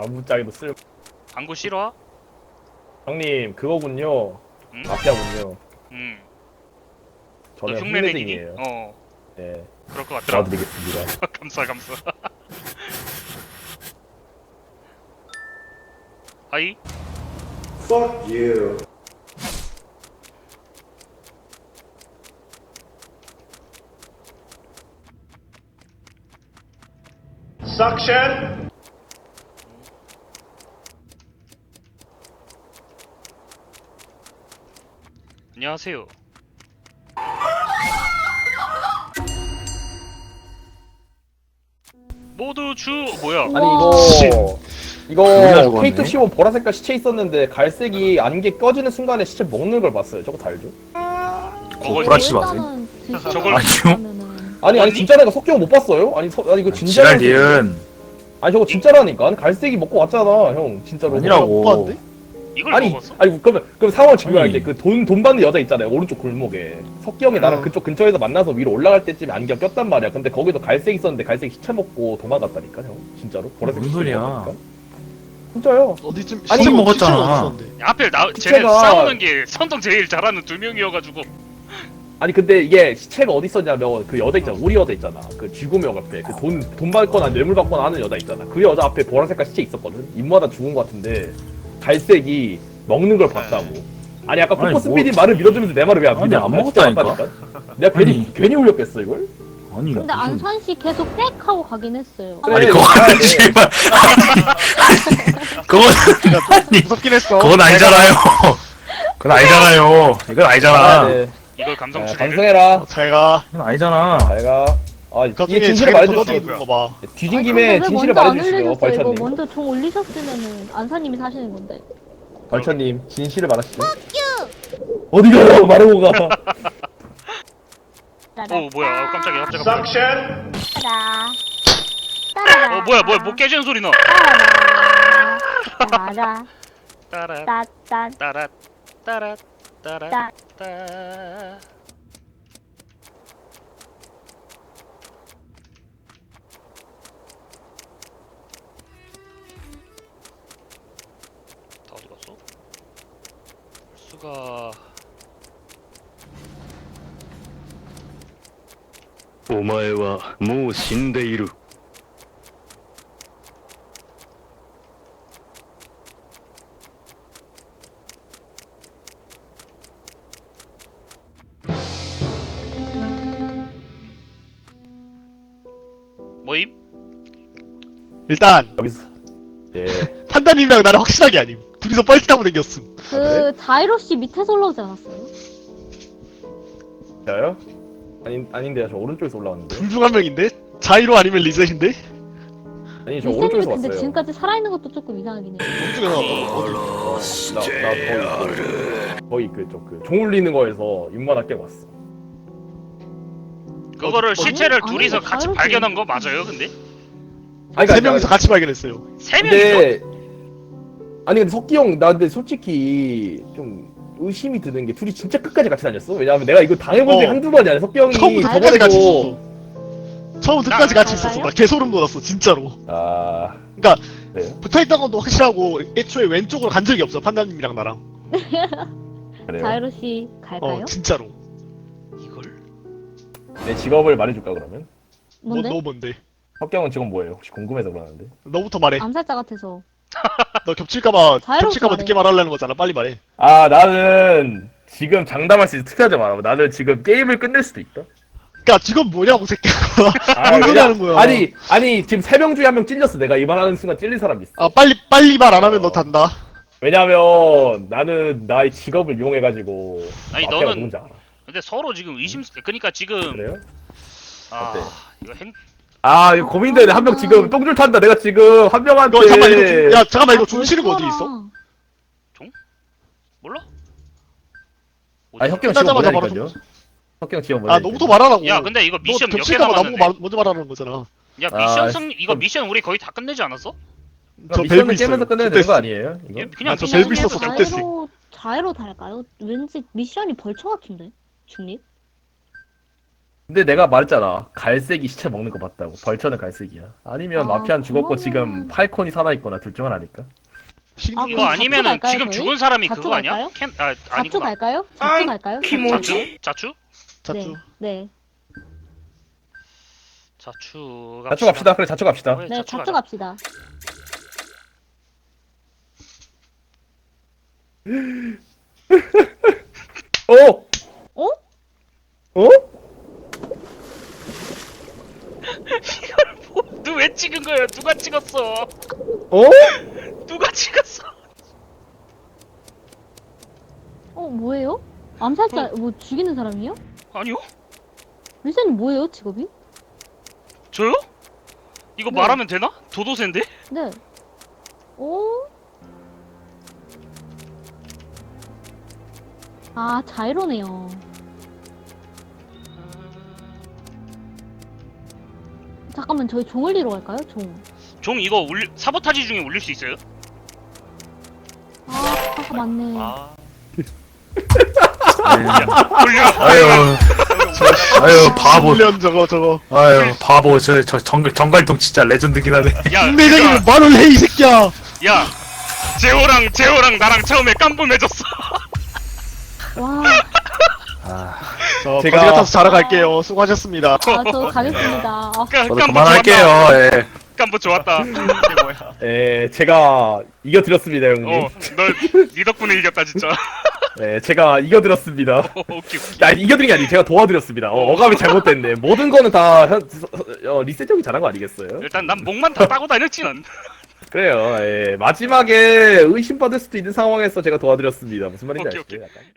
방구짜기도 쓸. 방구 싫어? 형님 그거군요. 응? 마피아군요. 응. 너 저는 흉내내기니? 흉내쟁이에요. 네. 그럴 것 같더라. 도와드리겠습니다. 감사. 하이? Fuck you. Suction. 안녕하세요. 모두 뭐야? 아니 이거 죽었네. K215 보라색깔 시체 있었는데 갈색이 안개 꺼지는 순간에 시체 먹는 걸 봤어요. 저거 다 알죠? 그걸 구라치지 마세요. 저걸 아니요. 아니 언니? 진짜 내가 석경 못 봤어요? 아니 이거 진짜 지랄 니은 아니 저거 진짜라니까. 아니 갈색이 먹고 왔잖아 형 진짜로. 아니라고. 이걸 아니 먹었어? 아니 그럼 상황을 증명할게. 아니. 그 돈 받는 여자 있잖아요 오른쪽 골목에. 석경이 나랑 그쪽 근처에서 만나서 위로 올라갈 때쯤에 안경 꼈단 말이야. 근데 거기도 갈색 있었는데 갈색 시체 먹고 도망갔다니까 형 진짜로. 보라색 무슨 시체 소리야. 먹었다니까. 진짜요. 어디쯤 아니, 시체 먹었잖아. 시체가 어딨었는데. 하필 쟤네 시체가- 싸우는 게 선동 제일 잘하는 두 명이어가지고. 아니 근데 이게 시체가 어디 있었냐면 그 여자 있잖아. 우리 여자 있잖아. 그 쥐구명 앞에 그 돈 받거나 뇌물 받거나 하는 여자 있잖아. 그 여자 앞에 보라색깔 시체 있었거든. 입마다 죽은 것 같은데 갈색이 먹는 걸 봤다고. 아니 아까 아니, 포커스 뭐- PD 말을 믿어주면서 내 말을 왜 안 아니, 믿어? 안 먹었다니까. 내가 괜히 울렸겠어 이걸? 아니 근데 무슨- 안산 씨 계속 빽 하고 가긴 했어요. 그래, 아니 이거 그거는 가야 돼. 제발 그건 아니 무섭긴 했어. 그건 아니잖아요. 그건 아니잖아요. 이건 아니잖아. 네. 이걸 감성 야, 추리를. 방송해라. 잘가. 이건 아니잖아. 잘가. 아 그 이게 중에 진실을 자기 말해줄 수 도둑이 있어. 있는 거 봐. 뒤진 아니, 김에 근데 왜 진실을 먼저 안 말해주시죠, 올려줬어요? 이거 벌처님. 먼저 종 올리셨으면은 안사님이 사시는 건데. 벌처님 진실을 말하시죠. 어디가요? 말하고 가. 뭐야? 깜짝이야. 갑자기. Suction. 따라. 따라. 뭐야? 뭐 깨지는 소리 나. 따라. 따라 따따. 따라 따라 따라 따. 따. 다 어디 갔어? 수가 お前はもう死んでいる。 뭐임? 일단 여기서 예. 판단님이랑 나는 확실하게 아님. 둘이서 뻘짓하고 댕겼음. 그 자이로 씨 밑에서 올라오지 않았어요? 저요? 아닌데요. 저 오른쪽에서 올라왔는데. 둘 중 한 명인데? 자이로 아니면 리셋인데? 아니 저 리셋님이 오른쪽에서 근데 왔어요. 지금까지 살아있는 것도 조금 이상하긴 해. 오른쪽에서 나 거의 그쪽 종 울리는 거에서 입마다 깨고 왔어. 그거를 시체를 아니, 둘이서 아니, 같이 자유롭게. 발견한 거 맞아요? 근데 아니, 세 명이서 같이 발견했어요. 세 명이서 근데 아니 근데 석기 형 나 근데 솔직히 좀 의심이 드는 게 둘이 진짜 끝까지 같이 다녔어? 왜냐면 내가 이거 당해본 적이 어. 한두 번이 아니야. 석기 형이 처음부터 끝까지 같이 저번에도 있었어. 처음부터 끝까지 같이 있었어. 나 개소름 돋았어, 진짜로. 아 그러니까 그래요? 붙어있던 것도 확실하고 애초에 왼쪽으로 간 적이 없어, 판단님이랑 나랑. 그래요? 자이로 씨 갈까요? 진짜로. 이걸 내 직업을 말해줄까 그러면? 뭔데? 너 뭔데? 석기 형은 지금 뭐예요? 혹시 궁금해서 그러는데. 너부터 말해. 암살자 같아서. 너 겹칠까봐 자유롭게 말해. 늦게 말하려는 거잖아. 빨리 말해. 아 나는 지금 장담할 수 있어. 특이하지 말아. 나는 지금 게임을 끝낼 수도 있다. 그니까 지금 뭐냐고 새끼야. 아, 뭔 소리 왜냐- 하는 거야? 아니 지금 3명 중에 1명 찔렸어. 내가 이 말하는 순간 찔린 사람 있어. 아 빨리 말 안 하면 너 단다. 왜냐면 나는 나의 직업을 이용해가지고 아니, 마피아가 너는- 누군지 알아. 근데 서로 지금 그러니까 지금 그래요? 아 어때? 이거 아 이거 고민되네. 한 명 지금 똥줄 탄다. 내가 지금 한 명한테 이거 잠깐만 이거 잠깐만 이거 아, 중실은 거 어디 있어? 벌써라. 몰라? 아 혁경 끝나자마자 지금 바로 뭐냐니까요. 혁경 지금 아 너부터 말하라고. 야 근데 이거 미션 너 몇 개 겹칠까봐 남았는데? 나보고 먼저 말하는 거잖아. 야 아, 미션 이거 미션 우리 거의 다 끝내지 않았어? 저 미션을 벨브 있어요. 깨면서 끝내야 되는 거 아니에요? 이거? 그냥 아, 저 미션 벨브 있었어. 끝내서 그때 자이로 달까요? 왠지 미션이 벌처 같은데? 중립? 근데 내가 말했잖아. 갈색이 시체 먹는 거 맞다고. 벌처는 갈색이야. 아니면 아, 마피아는 죽었고 그러면- 지금 팔콘이 살아있거나 둘 중 하나니까. 아, 이거 그럼 아니면은 자투 갈까요, 지금 저희? 죽은 사람이 자투 그거 아니야? 갈까요? 자투 아니구나. 갈까요? 자투 갈까요? 자추? 자추? 자투. 네. 자추 자초 갑시다. 그래 자초 갑시다. 그래, 네, 자추 자투 가자. 갑시다. 어? 어? 어? 너 왜 찍은 거야? 누가 찍었어? 어? 누가 찍었어? 뭐예요? 암살자, 뭐 죽이는 사람이요? 아니요? 리사님 뭐예요, 직업이? 저요? 이거 네. 말하면 되나? 도도새인데? 네. 오? 아, 자이로네요. 잠깐만, 저희 종 올리러 갈까요? 종. 종 이거 사보타지 중에 올릴 수 있어요? 아, 맞네. 올려. 아유 바보. 훈련 저거. 아유 바보. 저 정갈통 진짜 레전드긴 하네. 야, 내장이 말을 해, 이 새끼야! 야, 재호랑 나랑 처음에 깜분해졌어. 와, 저 제가- 거지 같아서 자러 갈게요. 수고하셨습니다. 아, 저 가겠습니다. 아, 저도 깜부 그만할게요. 좋았다. 예. 깜부 좋았다. 이게 뭐야. 제가 이겨드렸습니다, 형님. 네 덕분에 이겼다 진짜. 제가 이겨드렸습니다. 오케이. 야, 이겨드린 게 아니고 제가 도와드렸습니다. 어감이 잘못됐네. 모든 거는 다 리셋 형이 잘한 거 아니겠어요? 일단 난 목만 다 따고 다녔지 난. 그래요. 마지막에 의심받을 수도 있는 상황에서 제가 도와드렸습니다. 무슨 말인지 오케이, 아시죠? 약간.